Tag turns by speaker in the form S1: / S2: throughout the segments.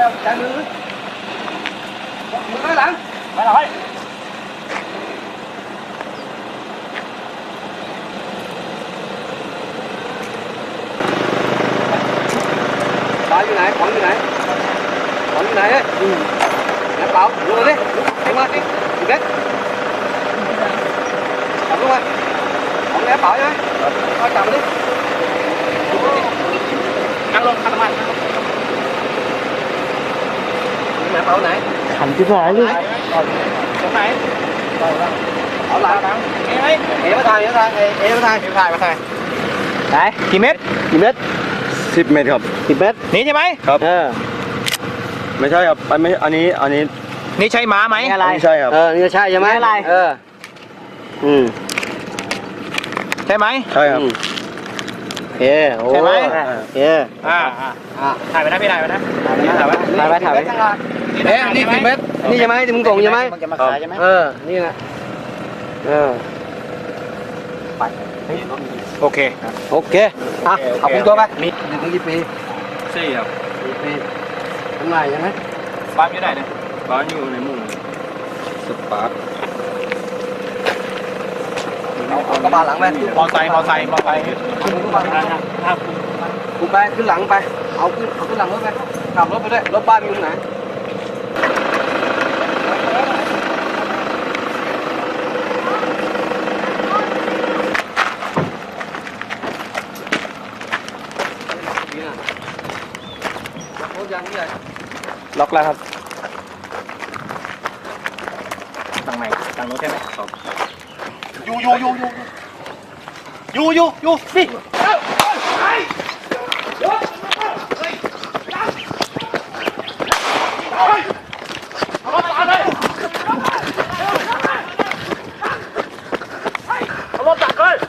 S1: จับมือมือหลังไปหน่อยปลาอยู่ไหนของอยู่ไหนของอยู่ไหนเนี่ยแล้วเปล่าลงมาดิลงมาดิอยู่เด็ดจับลงมาของแล้วเปล่าใช่ไหมเอาจับมาดินั่งลงขันน้ำมันไหนเปล่าไหนขันที่ไหนเลยตรงไหนเอาหลังเอ๋มาถ่ายมาถ่ายเอ๋มาถ่ายมาถ่ายไหนกี่เมตร10 เมตรครับ10 เมตรนี่ใช่ไหมครับไม่ใช่ครับไม่อันนี้นี่ใช่ม้าไหมอะไรไม่ใช่ครับนี่ใช่ใช่ไหมอะไรใช่ไหมใช่ครับโอเคใช่ไหมโอเคถ่ายไปนะพี่ถ่ายไปนะถ่ายไปนี่10 เมตรนี่ใช่ไหมที่มึงส่งใช่ไหมมันจะมาขายใช่ไหมนี่นะไปโอเคเอาผมตัวไปมี1 ถึงกี่ปี4 ครับ4 ปีทำไรใช่ไหมบ้านอยู่ไหนเนี่ยบ้านอยู่ในหมู่สปาร์คเอากระบะหลังไปมอไซค์กูไปขึ้นหลังไปเอาขึ้นหลังรถไปขับรถไปด้วยรถบ้านอยู่ไหนล็อกแล้วครับตั้งไหนตั้งรถใช่ไหมครับอยู่นี่เอารถตักเลย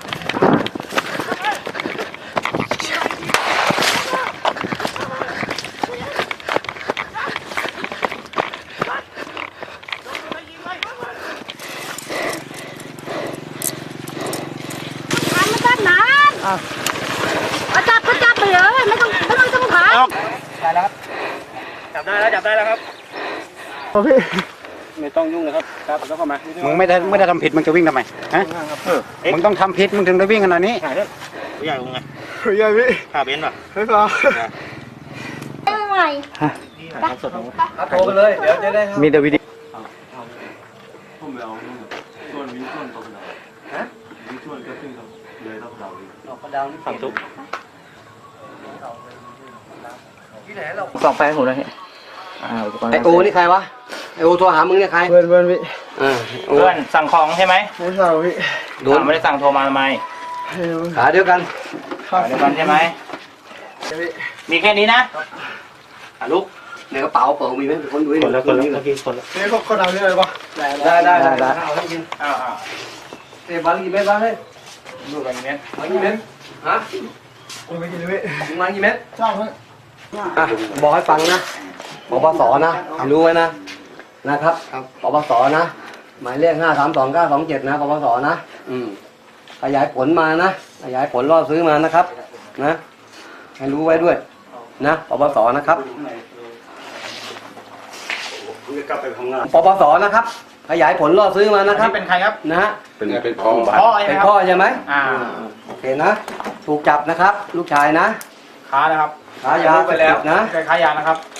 S2: จับไปเลยไม่ต้องถ่าย
S1: ได้แล้วครับจับได้แล้วครับโอเคไม่ต้องยุ่งเลยครับแล้วเข้ามามึงไม่ได้ทำผิดมึงจะวิ่งทำไมฮะมึงต้องทำผิดมึงถึงได้วิ่งขนาดนี้ผู้ใหญ่มึงไงผู้ใหญ่พี่ขาเบนป่ะไม่พอ
S2: อะไร
S1: โทรไปเลยเดี๋ยวจะได้มีแต่วิดีโอผมไปเอาส่วนวิ่งส่วนตกดาวฮะวิ่งส่วนก็ขึ้นครับเลยตกดาวฝั่งทุกสองแฟนผมเลยไอโอนี่ใครวะไอโอโทรหามึงเนี่ยใครเพื่อนพี่เพื่อนสั่งของใช่ไหมไม่สั่งพี่ไม่ได้สั่งโทรมาทำไมขาเดียวกันใช่ไหมมีแค่นี้นะลูกในกระเป๋าเปิดมีไหมคนดูคนละนี่คนเอาเนี่ยเลยปะได้เอาให้กินเตะบอลกี่เมตรบ้างเลยดูบอลกี่เมตรฮะมากี่เมตรชอบเลยบอกให้ฟังนะปปสนะรู้ไว้นะครับปปสนะหมายเลข5322927นะปปสนะขยายผลมานะขยายผลรอบซื้อมานะครับนะให้รู้ไว้ด้วยนะปปสนะครับปปสนะครับขยายผลรอบซื้อมานะครับเป็นใครครับนะเป็นพ่อใช่ไหมโอเคนะถูกจับนะครับลูกชายนะค้านะครับค้ายาไปแล้วนะค้ายานะครับ